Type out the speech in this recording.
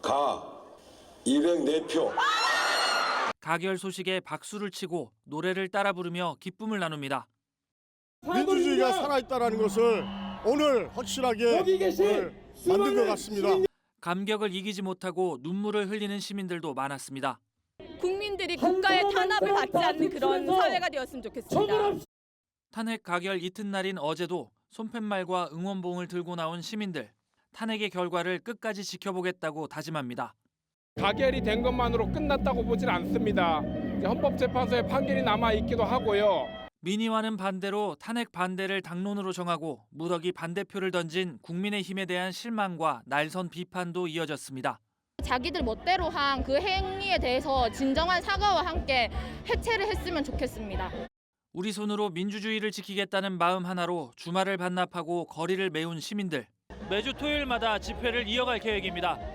가 204표. 가결 소식에 박수를 치고 노래를 따라 부르며 기쁨을 나눕니다. 민주주의가 살아있다는 것을 오늘 확실하게 오늘 만든 것 같습니다. 감격을 이기지 못하고 눈물을 흘리는 시민들도 많았습니다. 국민들이 국가의 탄압을 받지 않는 그런 사회가 되었으면 좋겠습니다. 탄핵 가결 이튿날인 어제도 손팻말과 응원봉을 들고 나온 시민들. 탄핵의 결과를 끝까지 지켜보겠다고 다짐합니다. 가결이 된 것만으로 끝났다고 보질 않습니다. 헌법재판소의 판결이 남아있기도 하고요. 민의와는 반대로 탄핵 반대를 당론으로 정하고 무더기 반대표를 던진 국민의힘에 대한 실망과 날선 비판도 이어졌습니다. 자기들 멋대로 한 그 행위에 대해서 진정한 사과와 함께 해체를 했으면 좋겠습니다. 우리 손으로 민주주의를 지키겠다는 마음 하나로 주말을 반납하고 거리를 메운 시민들. 매주 토요일마다 집회를 이어갈 계획입니다.